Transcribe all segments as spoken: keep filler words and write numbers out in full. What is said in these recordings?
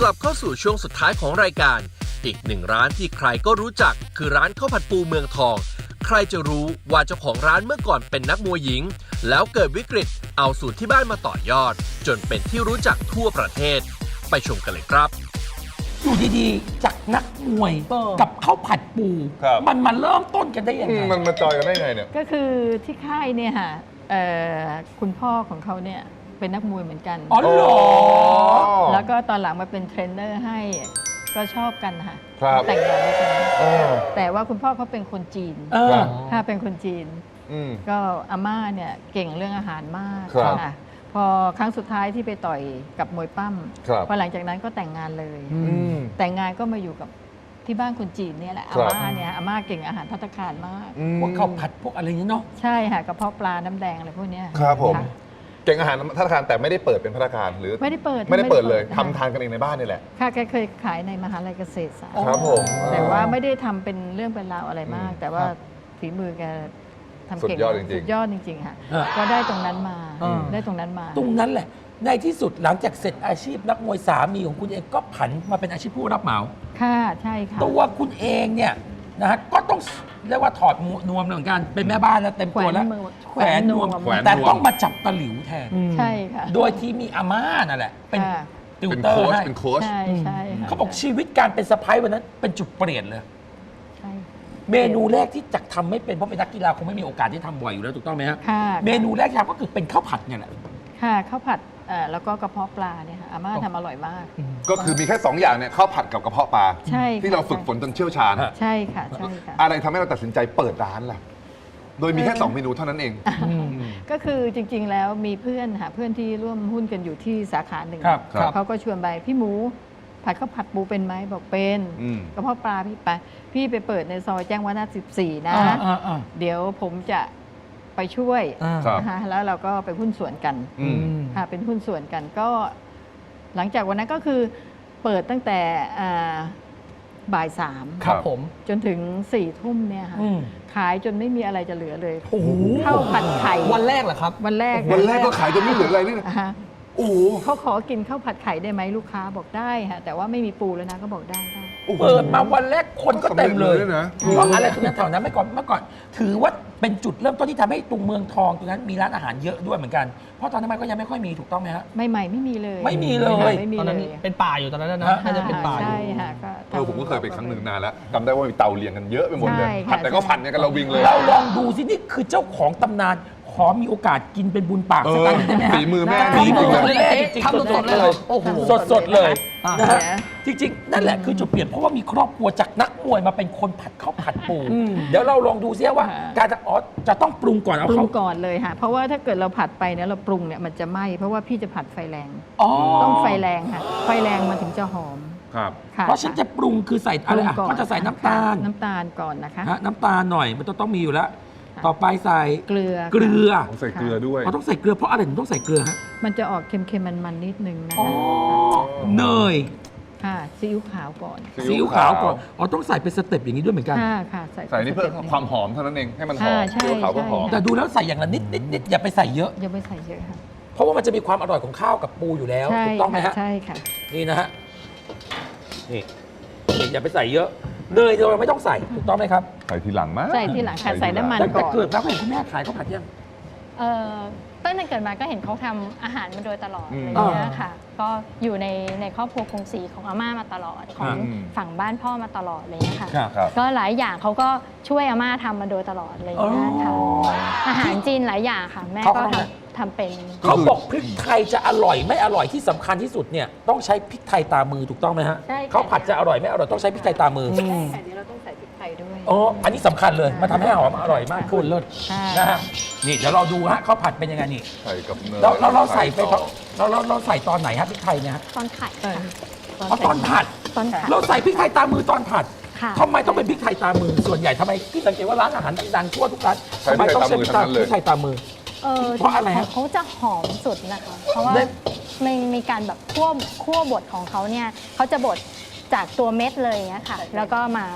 กลับเข้าสู่ช่วงสุดท้ายของรายการอีกหนึ่งร้านที่ใครก็รู้จักคือร้านข้าวผัดปูเมืองทองใครจะรู้ว่าเจ้าของร้านเมื่อก่อนเป็นนักมวยหญิงแล้วเกิดวิกฤตเอาสูตรที่บ้านมาต่อยอดจนเป็นที่รู้จักทั่วประเทศไปชมกันเลยครับอยู่ดีๆจากนักมวยกับข้าวผัดปู มันมาเริ่มต้นกันได้ยังไงมันมาจอยกันได้ไงเนี่ยก็คือที่ค่ายเนี่ยค่ะคุณพ่อของเขาเนี่ยเป็นนักมวยเหมือนกันอ๋อเหรอแล้วก็ตอนหลังมาเป็นเทรนเนอร์ให้ก็ชอบกันค่ะครับแต่งงานด้วยกันแต่ว่าคุณพ่อเขาเป็นคนจีนถ้าเป็นคนจีนก็อาม่าเนี่ยเก่งเรื่องอาหารมากค่ะพอครั้งสุดท้ายที่ไปต่อยกับมวยปั้มพอหลังจากนั้นก็แต่งงานเลยแต่งงานก็มาอยู่กับที่บ้านคนจีนเนี่ยแหละอาม่าเนี่ยอาม่าเก่งอาหารภัตตาคารมากพวกข้าวผัดพวกอะไรนี้เนาะใช่ค่ะกระเพาะปลาน้ำแดงอะไรพวกนี้ครับผมเก่งอาหารภัตตาคารแต่ไม่ได้เปิดเป็นภัตตาคารหรือไม่ได้เปิดไม่ได้เปิดเลยทำทานกันเองในบ้านนี่แหละค่ะแกเคยขายในมหาลัยเกษตรศาสตร์ครับผมแต่ว่าไม่ได้ทำเป็นเรื่องเป็นราวอะไรมาก แต่ว่าฝีมือแกทำเก่งสุดยอดจริงๆสุดยอดจริงๆค่ะก็ได้ตรงนั้นมาได้ตรงนั้นมาตรงนั้นแหละในที่สุดหลังจากเสร็จอาชีพนักมวยสามีของคุณเองก็ผันมาเป็นอาชีพผู้รับเหมาค่ะใช่ค่ะตัวคุณเองเนี่ยนะฮะก็ต้องเรียกว่าถอดนวมเหมือนกันเป็นแม่บ้านแล้วเต็มตัวแล้วแขวนนวมแต่ต้องมาจับตะหลิวแทนใช่ค่ะโดยที่มีอาม่านั่นแหละเป็นติวเตอร์ให้เป็นโค้ชใช่ใช่เขาบอกชีวิตการเป็นสะพ้ายวันนั้นเป็นจุดเปลี่ยนเลยเมนูแรกที่จักทำไม่เป็นเพราะเป็นนักกีฬาคงไม่มีโอกาสที่ทำบ่อยอยู่แล้วถูกต้องไหมครับเมนูแรกที่ทำก็คือเป็นข้าวผัดเนี่ยแหละค่ะข้าวผัดแล้วก็กระเพาะปลาเนี่ยค่ะอาม่าทำอร่อยมากก็คือมีแค่สองอย่างเนี่ยข้าวผัดกับกระเพาะปลาใช่ที่เราฝึกฝนจนเชี่ยวชาญใช่ค่ะใช่ค่ะอะไรทำให้เราตัดสินใจเปิดร้านล่ะโดยมีแค่สองเมนูเท่านั้นเองก็คือจริงๆแล้วมีเพื่อนค่ะเพื่อนที่ร่วมหุ้นกันอยู่ที่สาขาหนึ่งเขาก็ชวนไปพี่หมูผัดข้าวผัดปูเป็นไหมบอกเป็นกระเพาะปลาพี่ไปพี่ไปเปิดในซอยแจ้งวัฒนะสิบสี่นะเดี๋ยวผมจะไปช่วยนะคะแล้วเราก็ไปหุ้นส่วนกันค่ะเป็นหุ้นส่วนกันก็หลังจากวันนั้นก็คือเปิดตั้งแต่บ่ายสามครับผมจนถึงสี่ทุ่มเนี่ยค่ะขายจนไม่มีอะไรจะเหลือเลยข้าวผัดไข่วันแรกเหรอครับวันแรกวันแรกก็ขายจนไม่เหลืออะไรนี่นะโอ้เขาขอกินข้าวผัดไข่ได้ไหมลูกค้าบอกได้ค่ะแต่ว่าไม่มีปูแล้วนะก็บอกได้ได้เปิดมาวันแรกคนก็เต็มเลยเพราะอะไรตรงนั้นแถวนั้นเมื่อก่อนเมื่อก่อนถือว่าเป็นจุดเริ่มต้นที่ทำให้ตรงเมืองทองตรงนั้นมีร้านอาหารเยอะด้วยเหมือนกันเพราะตอนนั้นมันก็ยังไม่ค่อยมีถูกต้องไหมฮะไม่ใหม่ไม่มีเลยไม่มีเลยตอนนั้นเป็นป่าอยู่ตอนนั้นนะน่าจะเป็นป่าใช่ค่ะเออผมก็เคยไปครั้งหนึ่งนานแล้วจำได้ว่ามีเตาเรียงกันเยอะไปหมดเลยผัดแต่ก็ผัดเนี่ยกันเราวิ่งเลยเราลองดูสินี่คือเจ้าของตำนานขอมีโอกาสกินเป็นบุญปากสักครั้งได้ไหมฮะฝีมือแม่ฝีมือแม่จริงๆทำสดๆเลยสดๆเลยนะฮะจริงๆนั่นแหละคือจุดเปลี่ยนเพราะว่ามีครอบครัวจากนักมวยมาเป็นคนผัดข้าวผัดปูเดี๋ยวเราลองดูซิว่าการจะอ๋อจะต้องปรุงก่อนเอาปรุงก่อนเลยค่ะเพราะว่าถ้าเกิดเราผัดไปเนี่ยเราปรุงเนี่ยมันจะไหม้เพราะว่าพี่จะผัดไฟแรงต้องไฟแรงค่ะไฟแรงมันถึงจะหอมครับเพราะฉันจะปรุงคือใส่อะไรอ่ะก็จะใส่น้ำตาลน้ำตาลก่อนนะคะน้ำตาลหน่อยมันต้องมีอยู่แล้วต่อไปใส่เกลือเกลือต้องใส่เกลือด้วยเราต้องใส่เกลือเพราะอะไรถึงต้องใส่เกลือฮะมันจะออกเค็มๆมันๆนิดนึงนะคะเนยค่ะซีอิ๊วขาวก่อนซีอิ๊วขาวก่อนอ๋อต้องใส่เป็นสเต็ปอย่างนี้ด้วยเหมือนกันค่ะค่ะใส่ใส่นี่เพื่อความหอมเท่านั้นเองให้มันหอมซีอิ๊วขาวก็หอมแต่ดูแล้วใส่อย่างละนิดนิดนิดอย่าไปใส่เยอะอย่าไปใส่เยอะค่ะเพราะว่ามันจะมีความอร่อยของข้าวกับปูอยู่แล้วถูกต้องไหมฮะใช่ค่ะนี่นะฮะนี่อย่าไปใส่เยอะเนยเราไม่ต้องใส่ถูกต้องไหมครับใส่ทีหลังมั้ยใส่ทีหลังค่ะใส่น้ำมันก่อนแต่เกิดแล้วเห็นคุณแม่ขายข้าวผัดยังเออตั้งแต่เกิดมาก็เห็นเขาทำอาหารมาโดยตลอดอะไรเงี้ยค่ะก็อยู่ในในครอบครัวกรุงศรีของอาม่ามาตลอดของฝั่งบ้านพ่อมาตลอดอะไรเงี้ยค่ะก็หลายอย่างเขาก็ช่วยอาม่าทำมาโดยตลอดอะไรเงี้ยค่ะอาหารจีนหลายอย่างค่ะแม่ก็ทำทำเป็นเขาบอกพริกไทยจะอร่อยไม่อร่อยที่สำคัญที่สุดเนี่ยต้องใช้พริกไทยตามือถูกต้องไหมฮะเขาผัดจะอร่อยไม่อร่อยต้องใช้พริกไทยตามือใช่ค่ะนี้เราต้องใส่พริกไทยด้วยอ๋ออันนี้สำคัญเลยมาทำให้หอมอร่อยมากขึ้นเลิศนะฮะนี่เดี๋ยวเราดูฮะเขาผัดเป็นยังไงนี่ใส่กับเนยเราเราเราใส่ไปเราเราเราใส่ตอนไหนฮะพริกไทยเนี่ยตอนผัดตอนผัดตอนผัดเราใส่พริกไทยตามือตอนผัดทำไมต้องเป็นพริกไทยตามือส่วนใหญ่ทำไมที่สังเกตว่าร้านอาหารดังๆทั่วทุกร้านทำไมต้องใช้พริกไทยตามือเพราะอะไรฮะเขาจะหอมสุดนะคะเพราะว่ามันมีการแบบคั่วคั่วบดของเขาเนี่ยเขาจะบดจากตัวเม็ดเลยเงี้ยค่ะแล้วก็มา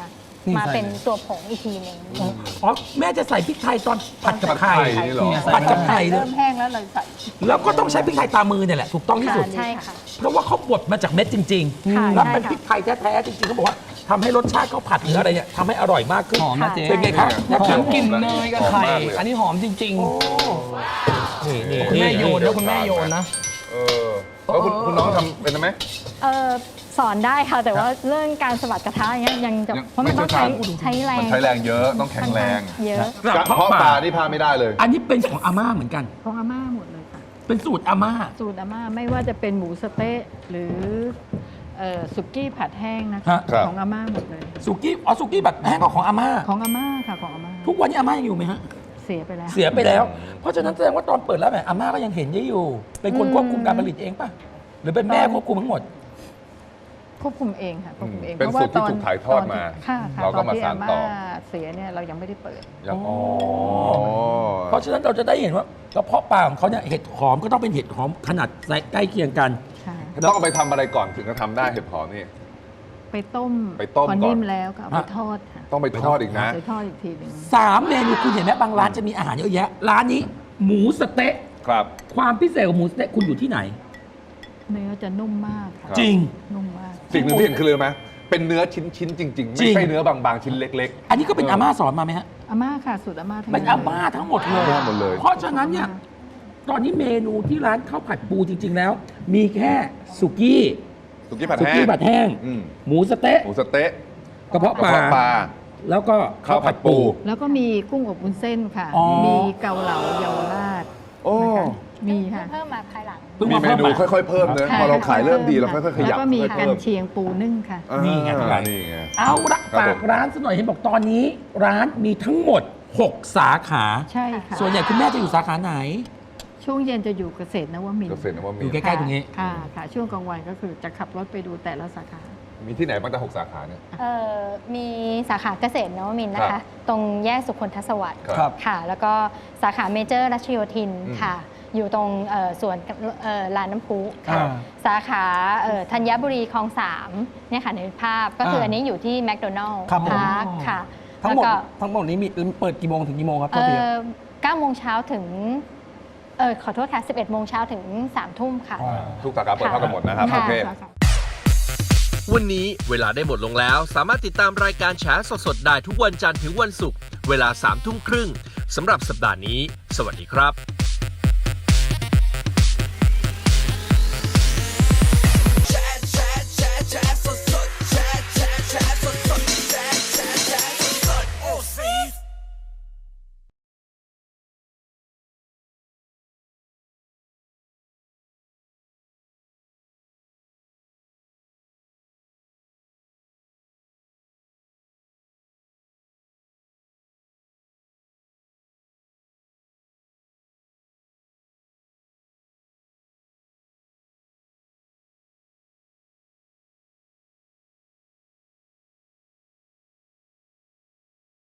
มาเป็นตัวผงอีกทีหนึ่งอ๋อแม่จะใส่พริกไทยตอนผัดกับไข่นี่เหรอผัดกับไข่เลยเริ่มแห้งแล้วเราใส่แล้วก็ต้องใช้พริกไทยตามือเนี่ยแหละถูกต้องที่สุดใช่ค่ะเพราะว่าเขาบดมาจากเม็ดจริงค่ะๆ แล้วเป็นใช่ค่ะพริกไทยแท้ๆจริงๆเขาบอกว่าทำให้รสชาติข้าวผัดหรืออะไรเนี่ยทำให้อร่อยมากขึ้นหอมนะเจ๊เป็นไงครับเนี่ยหอมกลิ่นเนยกับไข่หอมมากเลยอันนี้หอมจริงโอ้นี่นี่ๆ คุณแม่โยนนะคุณแม่โยนนะเออแล้วคุณคุณน้องทำเป็นไหมเออสอนได้ค่ะ แต่ว่าเรื่องการสะบัดกระทะอย่างเงี้ยยังจะยังเพราะมันต้องใช้ไม่เชี่ยวชาญใช้แรงมันใช้แรงเยอะต้องแข็งแรงเยอะกระกระเพาะเพาะปปลาลานี่พลาดไม่ได้เลยอันนี้เป็นของอาม่าเหมือนกันของอาม่าหมดเลยค่ะเป็นสูตรอาม่าสูตรอาม่าไม่ว่าจะเป็นหมูสะเต๊ะหรือเอ่อสุกี้ผัดแห้งนะฮะคะครับของอาม่าหมดเลยสุกี้อ๋อสุกี้แบบแห้งก็ของอาม่าของอาม่าค่ะของอาม่าทุกวันนี้อาม่ายังอยู่ไหมฮะเสียไปแล้วเสียไปแล้ว เพราะฉะนั้นแสดงว่าตอนเปิดร้านแบบอาม่าก็ยังเห็นได้อยู่ เป็นคนอืมควบคุมการผลิตเองป่ะ หรือเป็นแม่ควบคุมทั้งหมดควบคุมเองค่ะควบคุมเองเป็นสูตรที่ถูกถ่ายทอดมาค่ะค่ะเราก็ตอนมาที่สาอารต่ม่าอเสียเนี่ยเรายังไม่ได้เปิดยังอ๋อเพราะฉะนั้นเราจะได้เห็นว่ากระเพาะปลาของเขาเนี่ยเห็ดหอมก็ต้องเป็นเห็ดหอมขนาดใกล้เคียงกันค่ะต้องเอาไปทำอะไรก่อนถึงจะทำได้เห็ดหอมนี่ไปต้มไปต้มพอก่อนนิ่มแล้วก็เอาไปทอดค่ะต้องไปทอดอีกนะไปทอดอีกทีหนึ่งสามเมนูคุณเห็นไหมบางร้านจะมีอาหารเยอะแยะ ร้านนี้หมูสะเต๊ะครับความพิเศษของหมูสะเต๊ะคุณอยู่ที่ไหนเนื้อจะนุ่มมากค่ะครับจริงนุ่มมากสิ่งหนึ่งที่เห็นคือเลยไหมเป็นเนื้อชิ้นชิ้นๆจริง ๆจริไม่งใช่เนื้อบางๆชิ้นเล็กอันนี้ก็เป็นอาม่าสอนมาไหมฮะอาม่าค่ะสูตรอาม่าทั้งเป็นนั้นอาม่าทั้งหมดเลยอาม่าหมดเลยเพราะฉะนั้นเนี่ยตอนนี้เมนูที่ร้านข้าวผัดปูจริง ๆ แล้ว มีแค่สุกี้ๆสุกี้ผัดสุแห้กี้งผัดแห้งอืมหมูสะเต๊ะหมูสะเต๊ะกระเพาะกประลาเพาะปลาแล้วก็ข้าวผัดปูแล้วก็มีกุ้งอบวุ้นเส้นค่ะอ๋อมีเกาเหลาเยาวราชโอ้นะคะมีค่ะเพิ่มมาภายหลังเพิ่งมีมาเมเพิ่มนูมาค่อยๆเพิ่มเนอะค่ะพอเราขายเริ่มดีเราค่อยๆขยับแล้วก็มีค่อยๆกันเพิ่มเชียงปูนึ่งค่ะอ่านี่ไงทั้งหลายนี่ไงเอาละครับฝากผมร้านสักหน่อยเห็นบอกตอนนี้ ร้านมีทั้งหมด หก สาขาใช่ค่ะส่วนใหญ่คุณแม่จะอยู่สาขาไหนช่วงเย็นจะอยู่เกษตรนวมินทเกร์ษตรนวมิอน ยู่ทใกร์ล้ๆตรงนี้ค่ะค่ะ ช่วงกลางวันก็คือจะขับรถไปดูแต่ละสาขามีที่ไหนบ้างแต่หกสาขาเนี่ยเอ่อมีสาขาเกษตรนวมินทร์นะครัคะบตรงแยกสุขนทศวรรษครับค่ะ แล้วก็สาขาเมเจอร์รัชโยธินอืมค่ะ อยู่ตรงเอ่อสวนเอ่อลานน้ำพุค่ะอ่าสาขาเอ่อธัญบุรีคลองสามเนี่ยค่ะในภาพก็คืออันนี้อยู่ที่แมคโดนัลล์ครับผมพาร์คค่ะทั้งหมดแล้วก็ทั้งหมดนี้มีเปิดกี่โมงถึงกี่โมงครับโทเอ่ษทีครับอเก้าโมงเช้าถึงเออขอโทษค่ะสิบเอ็ดโมงเช้าถึงสามทุ่มค่ะทุกสาขาเปิดเท่ากันหมดนะครับค่ะโอเควันนี้เวลาได้หมดลงแล้ว สามารถติดตามรายการแฉสดๆได้ทุกวันจันทร์ถึงวันศุกร์เวลาสามทุ่มครึ่งสำหรับสัปดาห์นี้ สวัสดีครับ